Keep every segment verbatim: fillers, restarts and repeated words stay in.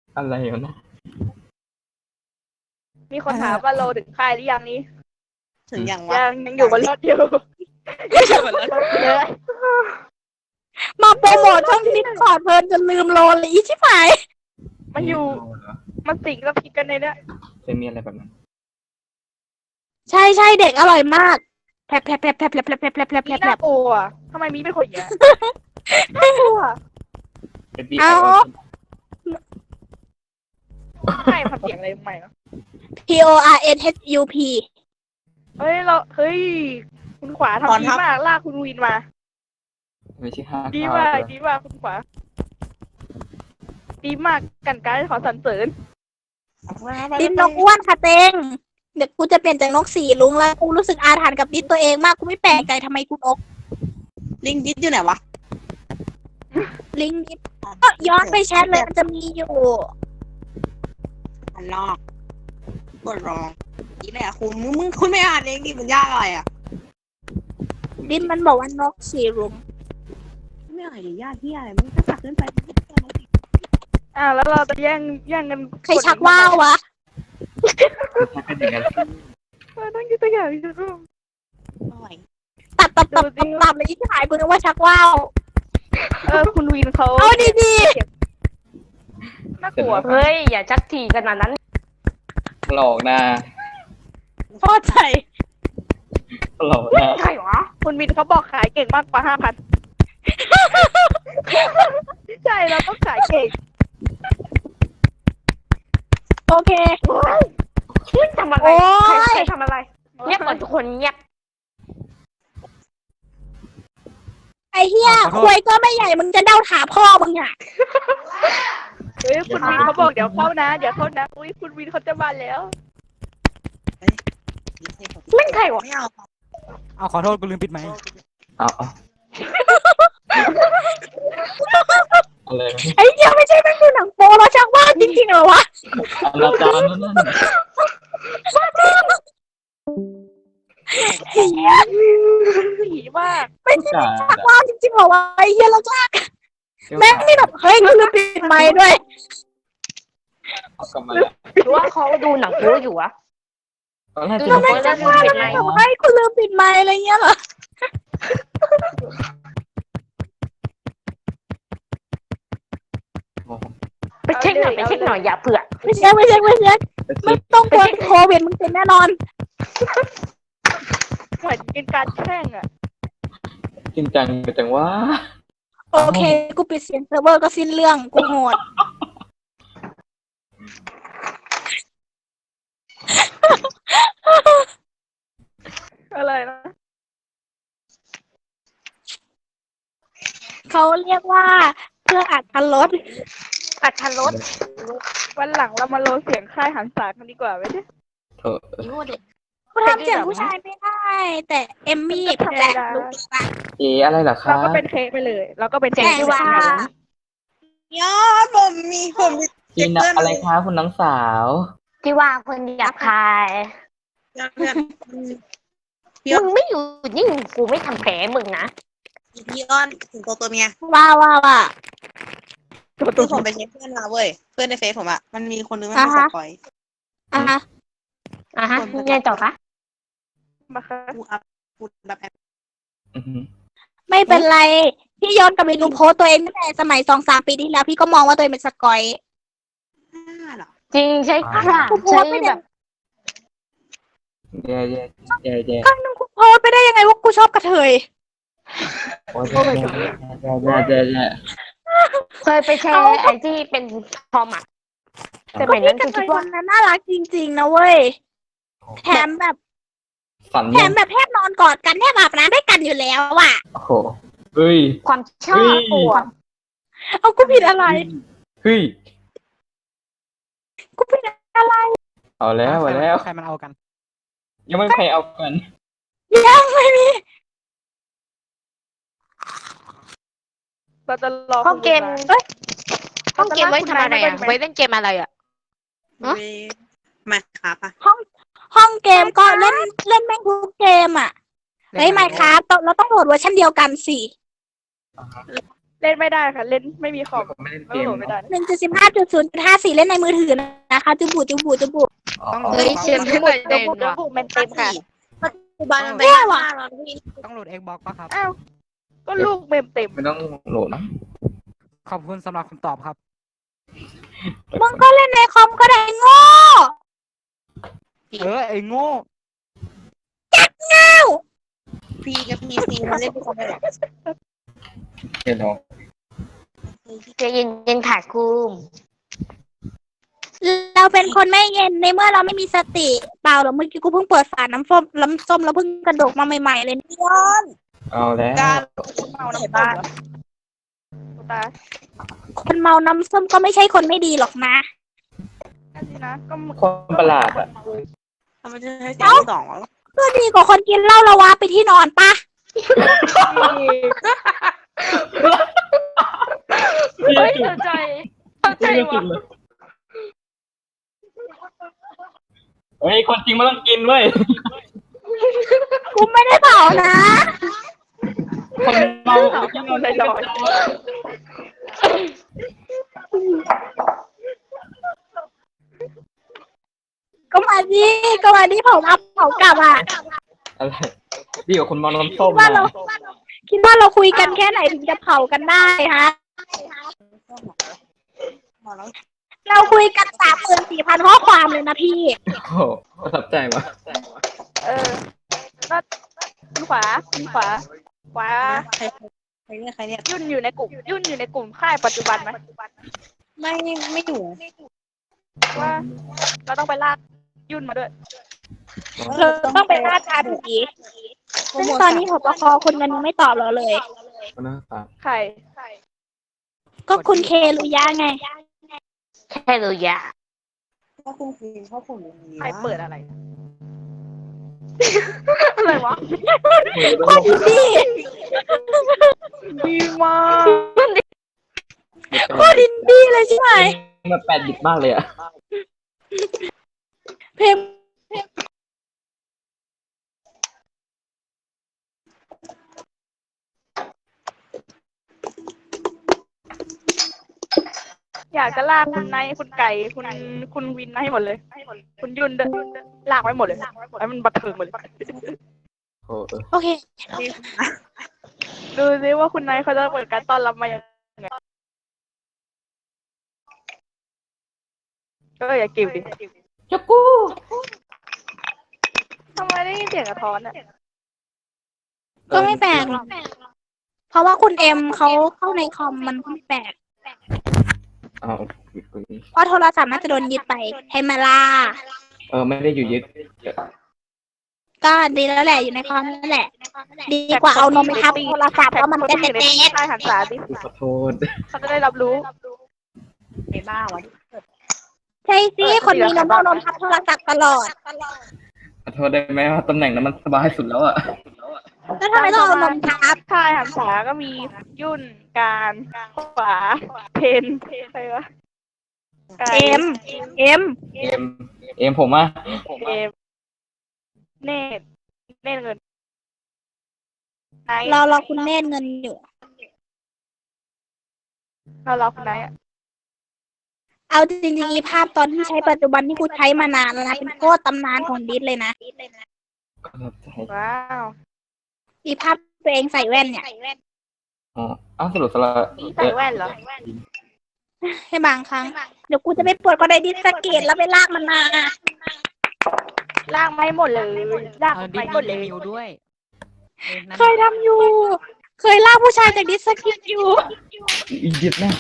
อะไรวะนะมีคนถามว่าโลถึงค่ายหรือยังนี้ถึงอย่างวะยังยังอยู่บนรถอยู่ยังอยู่บนรถเลยมาโปรโมทช่องดิสคอร์ดเพลินจนลืมโลเลยอีชิบหายมันอยู่เเหรอมันสิงกับพิกกันในเนี้ยเคยมีอะไรแบบนั้นใช่ใช่เด็กอร่อยมากแผลบแผลบแผลบแผลบแผลบแผลบแผลบแผลบแผลบมีแผลน่าบกลัวทำไมมีเป็นคนอย่างเงี้ยน่ากลัวเป็นปีเอาไม่ทำเสียงอะไรใหม่เหรอ P O R N H U P เฮ้ยเราเฮ้ยคุณขวาทำดีมากลากคุณวินมาไม่ใช่ห้าดีข้าวมากเลยดีมากคุณขวาดีมากกันการขอสรรเสริญดินนกอ้วนค่ะเต็งเดี๋ยวกูจะเปลี่ยนจากนกสีลุงแล้วกูรู้สึกอาถรรพ์กับดิสตัวเองมากกูไม่แปลกใจทำไมกูนกลิงดิสอยู่ไหนวะลิงก์ดิสก็ย้อนไปแชทเลยมันจะมีอยู่อันนอกกดรองนี่แหละคุณมึงมึงคุณไม่อ่านเองดิมันยากอะไรอ่ะดินมันบอกว่านกสีลุงไม่อ่านดิยากที่อะไรมึงก็ตัดขึ้นไปอ่าแล้วเราจะแย่งแย่งกันใครชักว่าววะถ้าเป็นอย่างนั้นเออต้องคิดตัวอย่างดิอร่อยตัดตัดตัดตัดตัดเลยที่หายกูนึกว่าชักว่าวเออคุณวินเขาเอาดีน่ากลัวเฮ้ย อย่าชักทีขนาดนั้นหลอกนะๆพ่อใจหลอกนะใครวะคุณวินเขาบอกขายเก่งมากกว่าห้าพันใช่เราต้องขายเก่งโอเคชื่อทำอะไรโอ๊ยใครใครทำอะไร เงียบก่อนทุกคนเงียบไอ้เหี้ยควยก็ไม่ใหญ่มึงจะเดาถาพ่อมึงอ่ะเฮ้ยคุณวินเขาบอกเดี๋ยวเข้านะเดี๋ยวเข้านะอุ้ยคุณวินเขาจะมาแล้วเล่นใครวะไม่เอาเอาขอโทษกูลืมปิดไมค์เอาเอาอะไรวะไอ้เหี้ยไม่ใช่แม่งดูหนังโป๊แล้วชักว่าวจริงๆเหรอวะอนาจารนั่นนั่นเหี้ยผีมากไม่ใช่จ่าชักว่าวจริงๆเหรอวะไอ้เหี้ยแล้วชักแม่งนี่แบบเฮ้ยกูลืมปิดไมค์ด้วยเอากลับมาแล้วหรือว่าเขาดูหนังโป๊อยู่วะตอนแรกดูจะหนังโป๊แล้วลืมปิดไมค์แบบเฮ้ยกูลืมปิดไมค์อะไรเงี้ยเหรอไปเช็คหน่อยไปเช็คหน่อยอย่าเผื่อไม่ใช่ไม่ใช่ไม่ใช่ไม่ต้องกลัวโควิดมึงเป็นแน่นอนเหมือนเป็นการแช่งอ่ะจริงจังจังว่าโอเคกูปิดเสียงเซิร์ฟเวอร์ก็สิ้นเรื่องกูโหดอะไรนะเขาเรียกว่าเพื่ออัดพันลดอัดทันรถวันหลังเรามาโลเสียงค่ายหันษากันดีกว่าไหมเนี่ยเถอะยูเด็กกูทำเสียงผู้ชายไม่ได้ แต่เอมมี่แปลกรู้ปะเออะไรเหรอคะเราก็เป็นเคไปเลย เราก็เป็นเสียงที่ว่าแต่ว่ายอดผมมีผมมีกินอะไรคะคุณน้องสาวที่ว่าคนหยาบคายเพื่อนพี่มึงไม่อยู่นิ่งกูไม่ทำแผลมึงนะพี่อ้อนถึงตัวตัวเมียว่าว่าว่าคือผมไปเช็คเพื่อนมาเว้ยเพื่อนในเฟซผมอ่ะมันมีคนนึงมันเป็นสปอยอ่ะฮะอ่ะฮะยังไงต่อคะมาค่ะกูอัพกูแบบแอปอือหือไม่เป็นไร พี่ย้อนกลับไปดูโพสต์ตัวเองตั้งแต่สมัยสองสามปีที่แล้ว พี่ก็มองว่าตัวเองเป็นสกอยห้าหรอจริงใช่ค่ะกูโพใช่สต์ไม่แบได้บแย่แย่แย่แย่ครั้งนึงกูโพสต์ไปได้ยังไงว่ากูชอบกระเทยโอ้ยแย่แย่แย่แย่แย่แย่เคยไปแชร์ไอ้ที่เป็นทอมอ่ะสมัยนั้นกกูระเทคิดยคว่านนั้นน่ารักจริงๆนะเว้ย แถมแบบฝันแถยัมงแบบแทบนอนกอดกันแทบอาบน้ำด้วยกันอยู่แล้วอ่ะโอ้โหเฮ้ยความชอบปวดเอากูผิดอะไรเฮ้ยกูผิดอะไรเอาแล้วเอาแล้วใครมันเอากันยังไม่มีใครเอากันยังไม่มีเราจะรอห้องเกมเอ้ยห้องเกมไว้ทำอะไรอ่ะ ไว้เล่นเกมอะไรอ่ะ ฮะเว้ยมาครับอ่ะห้องเกมก็เล่นเล่นแม่งทุกเกมอ่ะ เฮ้ยไม่ครับเราต้องโหลดเวอร์ชันเดียวกันสิเล่นไม่ได้ค่ะ เล่นไม่มีคอมไม่เล่นไม่เกมโหลดไม่ได้หนึ่งจุดสิบห้าจุดศูนย์จุดห้าสี่เล่นในมือถือนะคะจุบุจุบุจุบุต้องเฮ้ยเชียร์ขึ้นหน่อยเดี๋เด้ยวงบุกเดี๋ยวว่ะบุกมันเต็มค่ะปัจจุบันมันเป็นห้าแล้วพี่ต้องโหลด Xbox ป่ะครับอ้าวก็ลูกเมมเต็มไม่ต้องโหลดนะขอบคุณสำหรับคำตอบครับมึงก็เล่นในคอมก็ได้โง่เออไอ้โง่เง่าพีกับพีซีมันเล่นด้วยกันได้หรอเห็นหรอจะยินยินถ่ายกูมเราเป็นคนไม่เย็นในเมื่อเราไม่มีสติเปล่าหรอกเมื่อกี้กูเพิ่งเปิดฝาน้ำส้มน้ำส้มแล้วเพิ่งกระดกมาใหม่ๆเลยนี่ย้อนเอาแล้วการเมาน้ำบ้านตาคนเมาน้ำส้มก็ไม่ใช่คนไม่ดีหรอกนะอันนี้นะก็คนประหลาดอ่ะทำไมจะใช้เสียงสองวะก็ดีกว่าคนกินเหล้าละวะไปที่นอนปะเฮ้ยเข้าใจเข้าใจว่ะเฮ้ยคนจริงมันต้องกินเว้ยกูไม่ได้เผานะคนเมาที่นอนลอยก็มาดิก็มาดิเผาอัพเผากลับอ่ะอะไรดีกว่าคนเมาน้ำส้มว่าเราคิดว่าเราคุยกันแค่ไหนถึงจะเผากันได้ฮะเราคุยกันสามหมื่นสี่พันข้อความเลยนะพี่โอ้โหประทับใจว่ะเออก็คุณขวาคุณขวาขวาใครใครเนี่ยใครเนี่ยยุ่นอยู่ในกลุ่มยุ่นอยู่ในกลุ่มค่ายปัจจุบันไหมไม่ไม่อยู่ว่าเราต้องไปลากยุ่นมาด้วยเราต้องไปล่าชาผีซึ่งตอนนี้ผบคคนนั้นยังไม่ตอบเราเลยก็น่าตาใครก็คุณเคลุยะไงแค่รู้ยาถ้าคุณคือชอบผมอย่างนี้ใครเปิดอะไร อะไรวะคนดีดีมากโคตรดินดีเลยใช่ไหมมันแปดดิบมากเลยอ่ะเพลงอยากจะลากคุณไนท์คุณไก่คุณคุณวินมาให้หมดเลย คุณยุ่นด้วยลากไว้หมดเลยให้มันบันเทิงหมดเลยโอ้เออโอเคดูซิว่าคุณไนท์เขาจะเปิดการต้อนรับมายังไงก็อย่ากิวดิจักกูทำไมได้ยินเสียงกระท้อนอ่ะก็ไม่แปลกหรอกเพราะว่าคุณเอ็มเขาเข้าในคอมมันก็ไม่แปลกเอาปิดกูนี่เพราะโทรศัพท์น่าจะโดนยึดไปให้มาล่าเออไม่ได้อยู่ยึดก็ดีแล้วแหละอยู่ในคอมนั่นแหละ ดีกว่าเอานมไปทับโทรศัพท์แล้วมันจะแท็กเต๊ะใต้หันษาดิขอโทษเขาจะได้รับรู้ไอ้บ้าวะใช่สิคนมีนมเอานมทับโทรศัพท์ตลอดขอโทษได้ไหมว่าตำแหน่งนั้นมันสบายสุดแล้วอ่ะแล้วทำไมต้องเอานมทับใต้หันษาก็มียุ่นการขวาเพนใครวะไก่เอ็มเอ็มเอ็มเอ็มผมอ่ะเอมเนตเนตเงินไนท์รอรอคุณเนตรเงินอยู่เรารอคุณไนท์อะเอาจริงๆอีภาพตอนที่ใช้ปัจจุบันที่กูใช้มานานแล้วนะเป็นโคตรตำนานของดิสเลยนะประทับใจว้าวอีภาพตัวเองใส่แว่นเนี่ยอ๋ออ้าวสรุปสละใส่แว่นเหรอให้บางครั้ง เดี๋ยวกูจะไปปวดก็ได้ดิสสะเกตแล้วไปลากมันมาลากไม่หมดเลยลากเออดิไม่สหมดเลยมิวด้วยออนั่นเคยทำอยู่ เคยลากผู้ชายจากดิสสะเกตอยู่อียึดแน่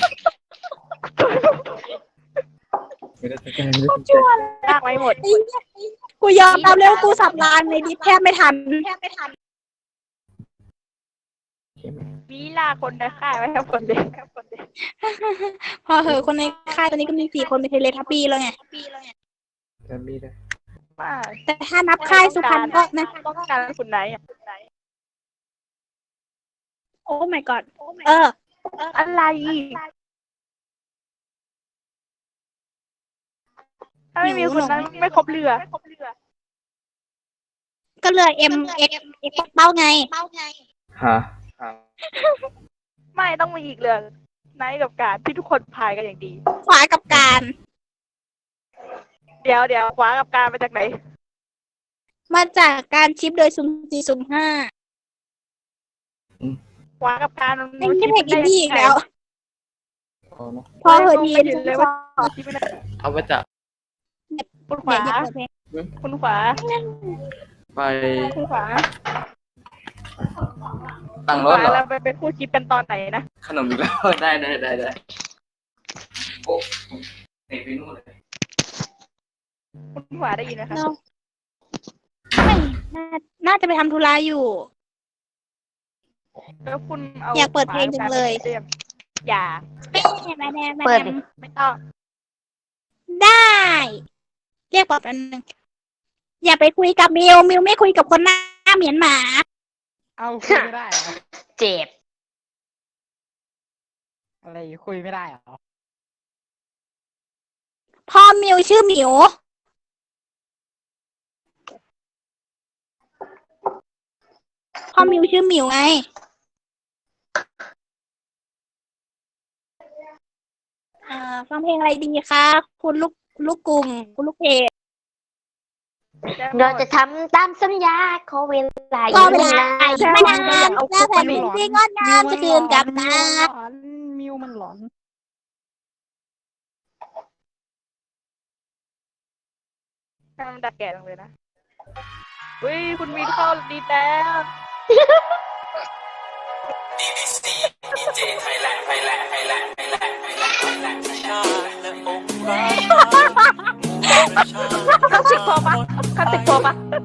ไม่ได้สนใจไม่ได้สนใจลากไม่หมดไอ้เหี้ยกูยอมรับเลยว่ากูสับรางในดิสแทบไม่ทันแทบไม่ทันมีลากคนในค่ายไว้ครับคนเดียวพอเหอะคนในค่ายตอนนี้ก็มีสี่คนเป็นเทเลทับปี้แล้วไงจะมีได้มาแต่ถ้านับค่ายสุพรรณก็นะต้องการคุณไนท์อะโอ้ my god เอออะไรถ้าไม่มีคุณนั้นไม่ครบเรือก็เหลือเอ็มเอ็กเอ็กเป้าไงฮะไม่ไม่ต้องมีอีกเรื่องไนท์กับการที่ทุกคนพายกันอย่างดีขวากับการเดี๋ยวเดี๋ยวขวากับการมาจากไหนมาจากการชิปโดยซุ่มสี่ซุ่มห้าขวากับการมันไม่ใช่เพลงอินดี้อีกแล้วเอานะพอเหอะดีเห็นเลยว่าชิปไม่ได้เอาไปจากคุณขวาอย่าเปิดเพลงคุณขวาไปคุณขวาตั้งขรถวาเหรอเราไปเป็นคู่ชิปกันตอนไหนนะขนมอีกแล้ว ได้ได้ได้ได้โอ้เตะไปนู่นเลยคุณขวาได้ยินไหมคะเราไม่น่าน่าจะไปทำธุระอยู่แล้วคุณเอาอยากเปิดเพลงจังเลยขวากับการไปอย่าแม่แม่แม่แม่เปิดดิไม่ต้องได้ เรียกบอกอันหนึ่งอย่าไปคุยกับมิวมิวไม่คุยกับคนหน้าเหมียนหมาเอาคุยไม่ได้เหรอเจ็บอะไรคุยไม่ได้เหรอพ่อมิวชื่อหมิว พ่อมิวชื่อหมิวไง เอ่อฟังเพลงอะไรดีคะ คุณลูกลูกกลุ่มคุณลูกเพจเราจะทำตามสัญญาขอเวลาอก็ยู่เวลานาอีกไม่นานแล้วแผ่นดินที่งดงามจะคืนกลับมามิวมันหลอนให้มันดัดแก่ลงเลยนะอุ้ยคุณวินเข้าดีแล้ว คลาสสิกพอปะคลาสสิกพอปะ